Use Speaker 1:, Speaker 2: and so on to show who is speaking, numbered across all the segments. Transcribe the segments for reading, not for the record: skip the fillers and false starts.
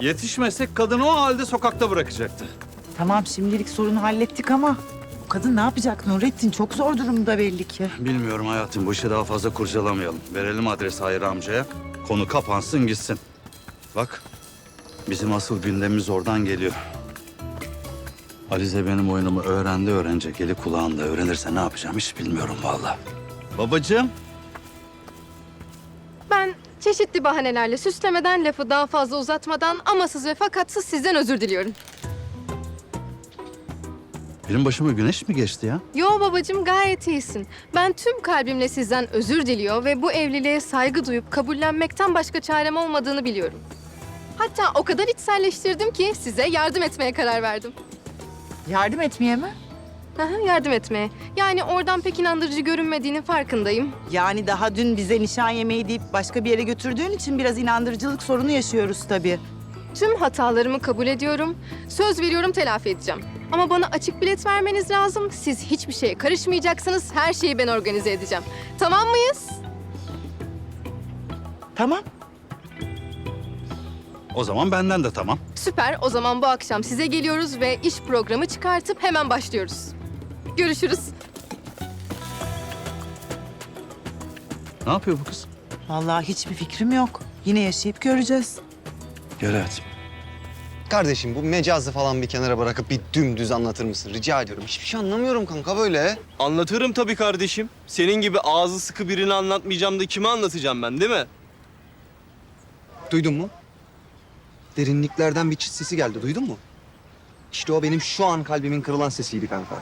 Speaker 1: Yetişmesek kadını o halde sokakta bırakacaktı.
Speaker 2: Tamam şimdilik sorunu hallettik ama bu kadın ne yapacak Nurettin? Çok zor durumda belli ki.
Speaker 1: Bilmiyorum hayatım, bu işi daha fazla kurcalamayalım. Verelim adresi Hayri amcaya. Konu kapansın gitsin. Bak, bizim asıl gündemimiz oradan geliyor. Alize benim oyunumu öğrenecek. Eli kulağında öğrenirse ne yapacağım hiç bilmiyorum vallahi. Babacığım.
Speaker 3: Ben çeşitli bahanelerle süslemeden, lafı daha fazla uzatmadan, amasız ve fakatsız sizden özür diliyorum.
Speaker 1: Benim başıma güneş mi geçti ya?
Speaker 3: Yo babacığım, gayet iyisin. Ben tüm kalbimle sizden özür diliyor ve bu evliliğe saygı duyup kabullenmekten başka çarem olmadığını biliyorum. Hatta o kadar içselleştirdim ki size yardım etmeye karar verdim.
Speaker 2: Yardım etmeye mi?
Speaker 3: Aha, yardım etmeye. Yani oradan pek inandırıcı görünmediğinin farkındayım.
Speaker 2: Yani daha dün bize nişan yemeği deyip başka bir yere götürdüğün için biraz inandırıcılık sorunu yaşıyoruz tabii.
Speaker 3: Tüm hatalarımı kabul ediyorum. Söz veriyorum, telafi edeceğim. Ama bana açık bilet vermeniz lazım. Siz hiçbir şeye karışmayacaksınız. Her şeyi ben organize edeceğim. Tamam mıyız?
Speaker 2: Tamam.
Speaker 1: O zaman benden de tamam.
Speaker 3: Süper. O zaman bu akşam size geliyoruz ve iş programı çıkartıp hemen başlıyoruz. Görüşürüz.
Speaker 1: Ne yapıyor bu kız?
Speaker 2: Vallahi hiçbir fikrim yok. Yine yaşayıp göreceğiz.
Speaker 1: Gel hayatım.
Speaker 4: Kardeşim bu mecazı falan bir kenara bırakıp bir dümdüz anlatır mısın? Rica ediyorum. Hiçbir şey anlamıyorum kanka böyle.
Speaker 5: Anlatırım tabii kardeşim. Senin gibi ağzı sıkı birini anlatmayacağım da kime anlatacağım ben, değil mi?
Speaker 4: Duydun mu? Derinliklerden bir çıt sesi geldi. Duydun mu? İşte o benim şu an kalbimin kırılan sesiydi kanka.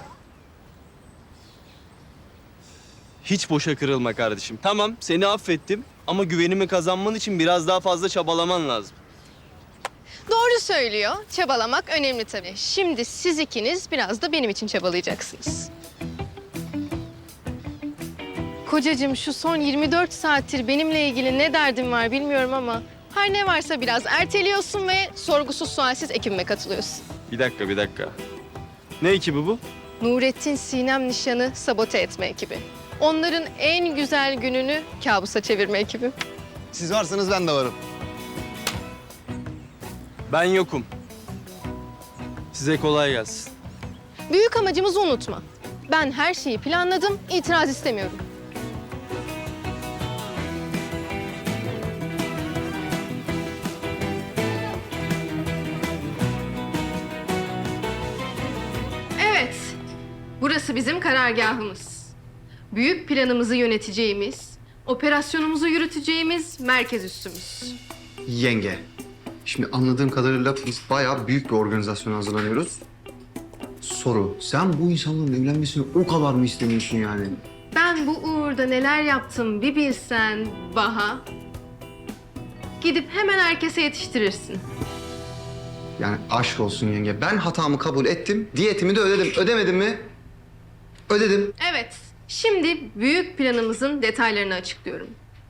Speaker 5: Hiç boşa kırılma kardeşim. Tamam, seni affettim ama güvenimi kazanman için biraz daha fazla çabalaman lazım.
Speaker 3: Doğru söylüyor. Çabalamak önemli tabii. Şimdi siz ikiniz biraz da benim için çabalayacaksınız. Kocacığım, şu son 24 saattir benimle ilgili ne derdin var bilmiyorum ama her ne varsa biraz erteliyorsun ve sorgusuz sualsiz ekibime katılıyorsun.
Speaker 5: Bir dakika. Ne ekibi bu?
Speaker 3: Nurettin Sinem nişanı sabote etme ekibi. Onların en güzel gününü kabusa çevirme ekibi.
Speaker 4: Siz varsanız ben de varım.
Speaker 5: Ben yokum. Size kolay gelsin.
Speaker 3: Büyük amacımızı unutma. Ben her şeyi planladım, itiraz istemiyorum. Evet, burası bizim karargahımız. Büyük planımızı yöneteceğimiz, operasyonumuzu yürüteceğimiz merkez üssümüz.
Speaker 4: Yenge. Şimdi anladığım kadarıyla biz bayağı büyük bir organizasyona hazırlanıyoruz. Soru, sen bu insanların evlenmesini o kadar mı istemiyorsun yani?
Speaker 3: Ben bu uğurda neler yaptım bir bilsen Baha. Gidip hemen herkese yetiştirirsin.
Speaker 4: Yani aşk olsun yenge. Ben hatamı kabul ettim, diyetimi de ödedim. Ödemedim mi? Ödedim.
Speaker 3: Evet, şimdi büyük planımızın detaylarını açıklıyorum.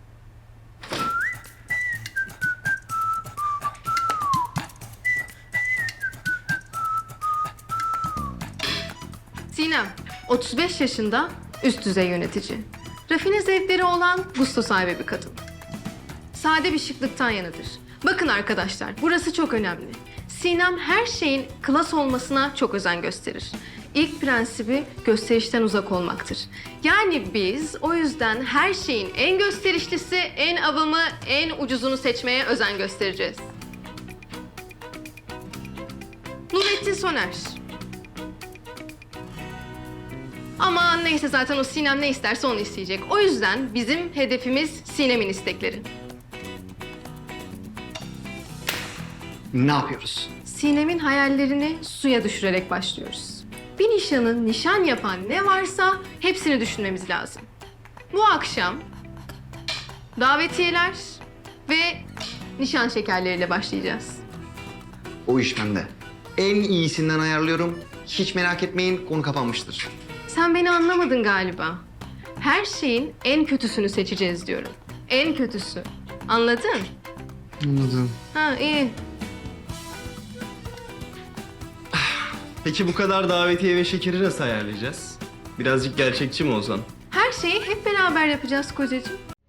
Speaker 3: Sinem, 35 yaşında, üst düzey yönetici. Rafine zevkleri olan gusto sahibi bir kadın. Sade bir şıklıktan yanıdır. Bakın arkadaşlar, burası çok önemli. Sinem her şeyin klas olmasına çok özen gösterir. İlk prensibi gösterişten uzak olmaktır. Yani biz o yüzden her şeyin en gösterişlisi, en avamı, en ucuzunu seçmeye özen göstereceğiz. Nurettin Soner. Aman neyse, zaten o Sinem ne isterse onu isteyecek. O yüzden bizim hedefimiz Sinem'in istekleri.
Speaker 4: Ne yapıyoruz?
Speaker 3: Sinem'in hayallerini suya düşürerek başlıyoruz. Bir nişanı nişan yapan ne varsa hepsini düşünmemiz lazım. Bu akşam davetiyeler ve nişan şekerleriyle başlayacağız.
Speaker 4: O iş bende. En iyisinden ayarlıyorum. Hiç merak etmeyin, konu kapanmıştır.
Speaker 3: Sen beni anlamadın galiba. Her şeyin en kötüsünü seçeceğiz diyorum. En kötüsü. Anladın?
Speaker 4: Anladım.
Speaker 3: Ha, iyi.
Speaker 5: Peki bu kadar davetiye ve şekeri nasıl ayarlayacağız? Birazcık gerçekçi mi olsan?
Speaker 3: Her şeyi hep beraber yapacağız kocacığım.